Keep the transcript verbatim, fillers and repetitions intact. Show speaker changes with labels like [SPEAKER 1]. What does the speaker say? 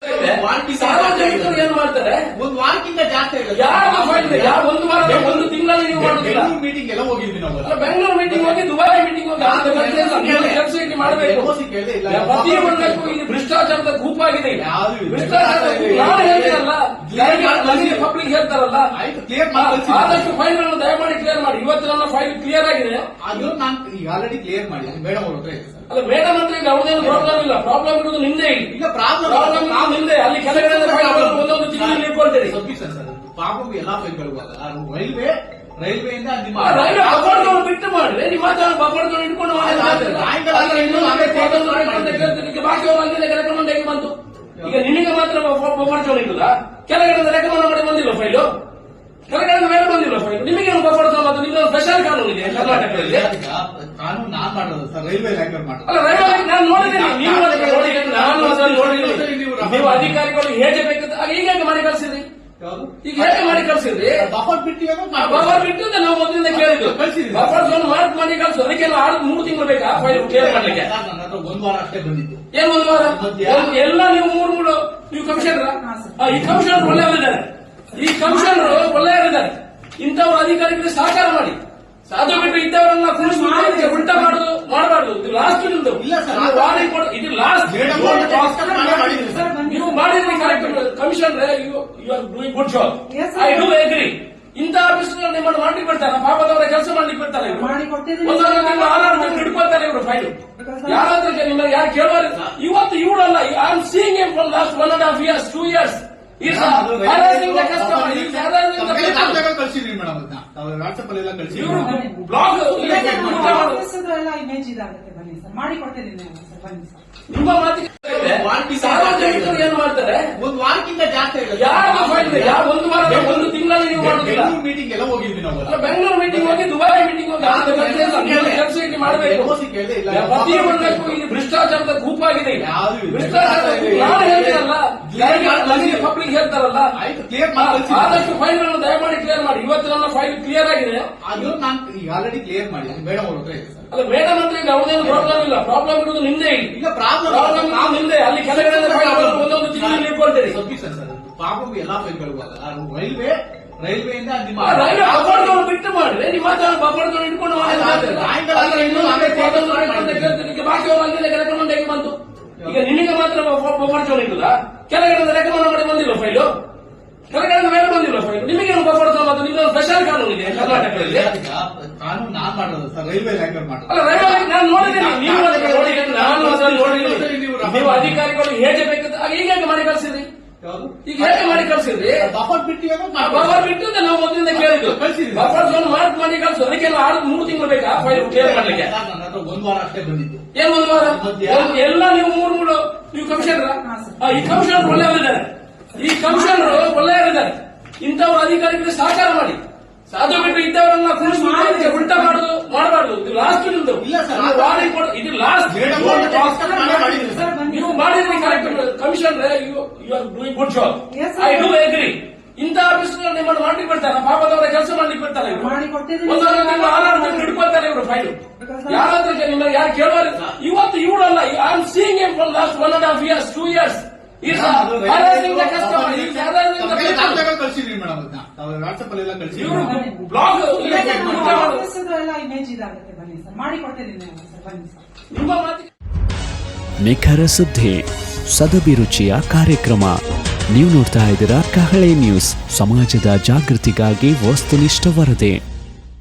[SPEAKER 1] ಸಾರ್ವಜನಿಕರು ಏನ್ ಮಾಡ್ತಾರೆ,
[SPEAKER 2] ಒಂದು ವಾರಕ್ಕಿಂತ ಜಾಸ್ತಿ
[SPEAKER 1] ಯಾವ ಒಂದು ವಾರ ಒಂದು ತಿಂಗಳಲ್ಲಿ ನೀವು ಮಾಡುದಿಲ್ಲ.
[SPEAKER 2] ಮೀಟಿಂಗ್ ಎಲ್ಲ ಹೋಗಿದ್ವಿ ನಾವು,
[SPEAKER 1] ಬೆಂಗಳೂರು ಮೀಟಿಂಗ್ ಹೋಗಿ ದುಬೈ ಮೀಟಿಂಗ್ ಹೋಗಿ ಕೆಲಸ ಇಲ್ಲಿ ಮಾಡಬೇಕು. ಪ್ರತಿಯೊಂದಕ್ಕೂ ಇದು ಭ್ರಷ್ಟಾಚಾರದ ಗುಂಪಾಗಿದೆ. ಭ್ರಷ್ಟಾಚಾರದ ನಾನು ಹೇಳ್ತೀನಲ್ಲ, ಪಬ್ಲಿಕ್ ಹೇಳ್ತಾರಲ್ಲ, ಆದಷ್ಟು ಫೈಲ್ ಅನ್ನು ದಯಮಾಡಿ ಕ್ಲಿಯರ್ ಮಾಡಿ. ಇವತ್ತು ನನ್ನ ಫೈಲ್ ಕ್ಲಿಯರ್ ಆಗಿದೆ,
[SPEAKER 2] ಅದು ನಾನು ಆಲ್ರೆಡಿ ಕ್ಲಿಯರ್ ಮಾಡಿ ಮೇಡಮ್ ಅವ್ರ ಹತ್ರ ಇದೆ ಸರ್.
[SPEAKER 1] ಅಲ್ಲ ಮೇಡಮ್ ಅಂತ ಈಗ ಅವ್ರದ್ದೇನು ಪ್ರಾಬ್ಲಮ್ ಇಲ್ಲ, ಪ್ರಾಬ್ಲಮ್ ಇರುವುದು ನಿಂದೆ.
[SPEAKER 2] ಇಲ್ಲ ಪ್ರಾಬ್ಲಮ್
[SPEAKER 1] ಪ್ರಾಬ್ಲಮ್ ನಿಂದೆ. ಅಲ್ಲಿ ಕೆಳಗಡೆ ಒಂದೊಂದು ತಿಂಗಳಲ್ಲಿ ಇಟ್ಕೊಳ್ತೀರಿ.
[SPEAKER 2] ಸಬ್ಮಿಷನ್ ಸರ್, ಪ್ರಾಬ್ಲಮ್ ಎಲ್ಲಾ ಫೈಲ್ಗಳು ರೈಲ್ವೆ ರೈಲ್ವೆಯಿಂದ ನಿಮ್ಮ
[SPEAKER 1] ರೈಲ್ವೆ ಬಫರ್ಗಳು ಬಿಟ್ಟು ಮಾಡಿದ್ರೆ ನಿಮ್ಮ ಬಫರ್ಗಳು ಇಟ್ಕೊಂಡು ಬಾಕಿ ಅವರಿಗೆ ರೆಕಮೆಂಡ್ ಹೇಗೆ ಬಂತು? ಈಗ ನಿನಗೆ ಮಾತ್ರ ಬಫರ್ ಇರುವುದಾ? ಕೆಳಗಡೆ ರೆಕಮೆಂಡ್ ಮಾಡಿ ಬಂದಿಲ್ಲ ಫೈಲು, ಕೆಳಗಡೆ ಮೇಲೆ ಬಂದಿಲ್ಲ ಫೈಲ್. ನಿಮಗೆ ಬಫರ್ ಮತ್ತು ನಿಮ್ಗೆ ಸ್ಪೆಷಲ್ ಕಾನೂನು ಇದೆ ಕರ್ನಾಟಕದಲ್ಲಿ.
[SPEAKER 2] ಕಾನೂನು ನಾನ್ ಮಾಡೋದು ಸರ್, ರೈಲ್ವೆ ಇಲಾಖೆ ಮಾಡೋದು.
[SPEAKER 1] ಅಲ್ಲ ರೈಲ್ವೆ ನಾನು ನೋಡಿದ್ದೀನಿ, ನೀವು ನೋಡಿದ್ದೀನಿ, ನಾನು ಅದನ್ನು ನೋಡಿದ್ದೀನಿ. ನೀವು ಅಧಿಕಾರಿಗಳು ಹೇಗೆ ಬೇಕಂತ ಈಗ ಹೇಗೆ ಮಾಡಿ ಕಳಿಸಿದ್ರಿ? ಈಗ ಹೇಗೆ ಮಾಡಿ ಕಳಿಸಿದ್ರಿ?
[SPEAKER 2] ಬಫರ್ ಬಿಟ್ಟು
[SPEAKER 1] ಬಫರ್ ಬಿಟ್ಟು ನಾವು ಮೊದಲಿಂದ ಕೇಳಿದ್ದು ಬಫರ್ ಝೋನ್ ಮಾರ್ಕ್ ಮಾಡಿ ಕಳಿಸು. ಅದಕ್ಕೆಲ್ಲ ಆರು ಮೂರು ತಿಂಗಳು ಬೇಕಾ ಫೈಲ್ ಕ್ಲಿಯರ್ ಮಾಡ್ಲಿಕ್ಕೆ?
[SPEAKER 2] ಒಂದು ವಾರ ಅಷ್ಟೇ ಬಂದಿತ್ತು.
[SPEAKER 1] ಏನ್ ಒಂದು ವಾರ? ಎಲ್ಲ ನೀವು ಮೂರು ಮೂರು ನೀವು ಕಮಿಷನರ್, ಈ ಕಮಿಷನರ್ ಒಳ್ಳೆಯವರಿದ್ದಾರೆ, ಈ ಕಮಿಷನರ್ ಒಳ್ಳೆಯವರಿದ್ದಾರೆ. ಇಂಥವ್ರ ಅಧಿಕಾರಿಗಳಿಗೆ ಸಹಕಾರ ಮಾಡಿ. ಅದು ಬಿಟ್ಟು ಇದ್ದವರನ್ನ ಕುಣಿಸಿ ಉಲ್ಟಾ ಮಾಡುದು ಮಾಡಬಾರ್ದು. ಇದು ಲಾಸ್ಟ್ ನಿಮ್ದು.
[SPEAKER 2] ಇಲ್ಲ ಸರ್,
[SPEAKER 1] ಇದು ಲಾಸ್ಟ್ ನೀವು ಮಾಡಿದ್ರಿ correct. Commissioner you are doing good job, I do agree. ಇಂಥ ಆಫೀಸ್ ನಿಮ್ಮನ್ನು ಮಾಡ್ಲಿಕ್ಕೆ ಬಿಡ್ತಾರೆ, ಪಾಪದವರ ಕೆಲಸ ಮಾಡ್ಲಿಕ್ಕೆ ಬಿಡ್ತಾರೆ. ಒಂದೊಂದು ತಿಂಗಳು ಆರಾರು ತಿಂಗಳು ಹಿಡ್ಕೊಳ್ತಾರೆ ಇವರು ಫೈಲ್. ಯಾರಾದ್ರೂ ನಿಮ್ಮ ಯಾರು ಕೇಳುವ ಇವತ್ತು ಇವಳಲ್ಲ. I am seeing them from last one and half years two years
[SPEAKER 2] ಕಳಿಸಿದ್ರಿ ಮೇಡಮ್, ವಾಟ್ಸ್ಆಪ್ ಅಲ್ಲಿ ಎಲ್ಲ ಕಳಿಸಿ.
[SPEAKER 1] ಬ್ಲಾಗ್
[SPEAKER 3] ಇಮೇಜ್ ಇದಾಗುತ್ತೆ, ಬನ್ನಿ ಸರ್ ಮಾಡಿ ಕೊಡ್ತಿದ್ದೀನಿ ಸರ್, ಬನ್ನಿ ಸರ್.
[SPEAKER 1] ನಿಮ್ಮ ಮಾತಿಗೆ ಸಾರ್ವಜನಿಕರು ಏನ್ ಮಾಡ್ತಾರೆ,
[SPEAKER 2] ಒಂದು ವಾರಕ್ಕಿಂತ ಜಾಸ್ತಿ
[SPEAKER 1] ಯಾವ ಫೈಲ್ ಯಾವ ಒಂದು ವಾರ ಒಂದು ತಿಂಗಳಲ್ಲಿ ನೀವು ಮಾಡುದಿಲ್ಲ.
[SPEAKER 2] ಮೀಟಿಂಗ್ ಎಲ್ಲ ಹೋಗಿದ್ವಿ ನಾವು,
[SPEAKER 1] ಬೆಂಗಳೂರು ಮೀಟಿಂಗ್ ಹೋಗಿ ದುಬೈ ಮೀಟಿಂಗ್ ಹೋಗಿ ಕೆಲಸ ಇಲ್ಲಿ ಮಾಡಬೇಕು. ಪ್ರತಿಯೊಂದಕ್ಕೂ ಇದು ಭ್ರಷ್ಟಾಚಾರದ ಗುಂಪಾಗಿದೆ. ಭ್ರಷ್ಟಾಚಾರದ ನಾನು ಹೇಳ್ತೀನಲ್ಲ, ಪಬ್ಲಿಕ್ ಹೇಳ್ತಾರಲ್ಲ, ಆದಷ್ಟು ಫೈಲ್ ಅನ್ನು ದಯಮಾಡಿ ಕ್ಲಿಯರ್ ಮಾಡಿ. ಇವತ್ತು ನನ್ನ ಫೈಲ್ ಕ್ಲಿಯರ್ ಆಗಿದೆ,
[SPEAKER 2] ಅದು ನಾನು ಆಲ್ರೆಡಿ ಕ್ಲಿಯರ್ ಮಾಡಿ ಮೇಡಮ್ ಅವ್ರ ಹತ್ರ ಇದೆ ಸರ್.
[SPEAKER 1] ಅಲ್ಲ ಮೇಡಮ್ ಅಂತ ಈಗ ಅವ್ರದ್ದೇನು ಪ್ರಾಬ್ಲಮ್ ಇಲ್ಲ, ಪ್ರಾಬ್ಲಮ್ ಇರುವುದು ನಿಂದೆ.
[SPEAKER 2] ಇಲ್ಲ ಪ್ರಾಬ್ಲಮ್
[SPEAKER 1] ನಿಂದೆ. ಅಲ್ಲಿ ಕೆಳಗಡೆ ಒಂದೊಂದು ತಿಂಗಳಲ್ಲಿ ಇಟ್ಕೊಳ್ತೀರಿ.
[SPEAKER 2] ಸಬ್ಮಿಷನ್ ಸರ್, ಪ್ರಾಬ್ಲಮ್ ಎಲ್ಲಾ ಫೈಲ್ಗಳು ರೈಲ್ವೆ ರೈಲ್ವೆಯಿಂದ ನಿಮ್ಮ
[SPEAKER 1] ರೈಲ್ವೆ ಬಫರ್ಗಳು ಬಿಟ್ಟು ಮಾಡಿದ್ರೆ ನಿಮ್ಮ ಬಫರ್ಗಳು ಇಟ್ಕೊಂಡು ಬಾಕಿ ಅವರಿಗೆ ರೆಕಮೆಂಡ್ ಹೇಗೆ ಬಂತು? ಈಗ ನಿನಗೆ ಮಾತ್ರ ಬಫರ್ ಝೋನ್ ಇರುವುದಾ? ಕೆಳಗಡೆ ರೆಕಮೆಂಡ್ ಮಾಡಿ ಬಂದಿಲ್ಲ ಫೈಲು, ಕೆಳಗಡೆ ಮೇಲೆ ಬಂದಿಲ್ಲ ಫೈಲ್. ನಿಮಗೆ ಬಫರ್ ಝೋನ್ ಮತ್ತು ನಿಮ್ಗೆ ಸ್ಪೆಷಲ್ ಕಾನೂನು ಇದೆ ಕರ್ನಾಟಕದಲ್ಲಿ.
[SPEAKER 2] ಕಾನೂನು ನಾನ್ ಮಾಡೋದು ಸರ್, ರೈಲ್ವೆ ಇಲಾಖೆ ಮಾಡೋದು.
[SPEAKER 1] ಅಲ್ಲ ರೈಲ್ವೆ ನಾನು ನೋಡಿದ್ದೀನಿ, ನೀವು ನೋಡಿದ್ದೀನಿ, ನಾನು ಅದನ್ನು ನೋಡಿದ್ದೀನಿ. ನೀವು ಅಧಿಕಾರಿಗಳು ಹೇಗೆ ಬೇಕಂತ ಈಗ ಹೇಗೆ ಮಾಡಿ ಕಳಿಸಿದ್ರಿ? ಈಗ ಹೇಗೆ ಮಾಡಿ ಕಳಿಸಿದ್ರಿ?
[SPEAKER 2] ಬಫರ್ ಬಿಟ್ಟು
[SPEAKER 1] ಬಫರ್ ಬಿಟ್ಟು ನಾವು ಮೊದಲಿಂದ ಕೇಳಿದ್ದು ಬಫರ್ ಝೋನ್ ಮಾರ್ಕ್ ಮಾಡಿ ಕಳಿಸು. ಅದಕ್ಕೆಲ್ಲ ಆರು ಮೂರು ತಿಂಗಳು ಬೇಕಾ ಫೈಲ್ ಕ್ಲಿಯರ್ ಮಾಡ್ಲಿಕ್ಕೆ?
[SPEAKER 2] ಒಂದು ವಾರ ಅಷ್ಟೇ ಬಂದಿತ್ತು.
[SPEAKER 1] ಏನ್ ಒಂದು ವಾರ? ಎಲ್ಲ ನೀವು ಮೂರು ಮೂರು ನೀವು ಕಮಿಷನರ್, ಈ ಕಮಿಷನರ್ ಒಳ್ಳೆಯವರಿದ್ದಾರೆ, ಈ ಕಮಿಷನರ್ ಒಳ್ಳೆಯವರಿದ್ದಾರೆ. ಇಂಥವ್ರ ಅಧಿಕಾರಿಗಳಿಗೆ ಸಹಕಾರ ಮಾಡಿ. ಅದು ಬಿಟ್ಟು ಇದ್ದವರನ್ನ ಕುಣಿಸಿ ಉಲ್ಟಾ ಮಾಡುದು ಮಾಡಬಾರ್ದು. ಇದು ಲಾಸ್ಟ್ ನಿಮ್ದು. ಇಲ್ಲ ಸರ್, ಇದು ಲಾಸ್ಟ್ ನೀವು ಮಾಡಿದ್ರಿ correct. Commissioner you are doing good job, I do agree. ಇಂಥ ಆಫೀಸ್ ನಿಮ್ಮನ್ನು ಮಾಡ್ಲಿಕ್ಕೆ ಬಿಡ್ತಾರೆ, ಪಾಪದವರ ಕೆಲಸ ಮಾಡ್ಲಿಕ್ಕೆ ಬಿಡ್ತಾರೆ. ಒಂದೊಂದು ತಿಂಗಳು ಆರಾರು ತಿಂಗಳು ಹಿಡ್ಕೊಳ್ತಾರೆ ಇವರು ಫೈಲ್. ಯಾರಾದ್ರೂ ನಿಮ್ಮ ಯಾರು ಕೇಳುವ ಇವತ್ತು ಇವಳಲ್ಲ. I am seeing them from last one and half years two years
[SPEAKER 2] ಕಳಿಸಿದ್ರಿ ಮೇಡಮ್, ವಾಟ್ಸ್ಆಪ್ ಅಲ್ಲಿ ಎಲ್ಲ ಕಳಿಸಿ.
[SPEAKER 1] ಬ್ಲಾಗ್
[SPEAKER 3] ಇಮೇಜ್ ಇದಾಗುತ್ತೆ, ಬನ್ನಿ ಸರ್ ಮಾಡಿ ಕೊಡ್ತಿದ್ದೀನಿ ಸರ್, ಬನ್ನಿ ಸರ್.
[SPEAKER 1] ನಿಮ್ಮ ಮಾತಿಗೆ
[SPEAKER 4] ನಿಖರ ಸುದ್ದಿ, ಸದಭಿರುಚಿಯ ಕಾರ್ಯಕ್ರಮ. ನೀವು ನೋಡ್ತಾ ಇದ್ದೀರಾ ಕಹಳೆ ನ್ಯೂಸ್, ಸಮಾಜದ ಜಾಗೃತಿಗಾಗಿ ವಸ್ತುನಿಷ್ಠ ವರದಿ.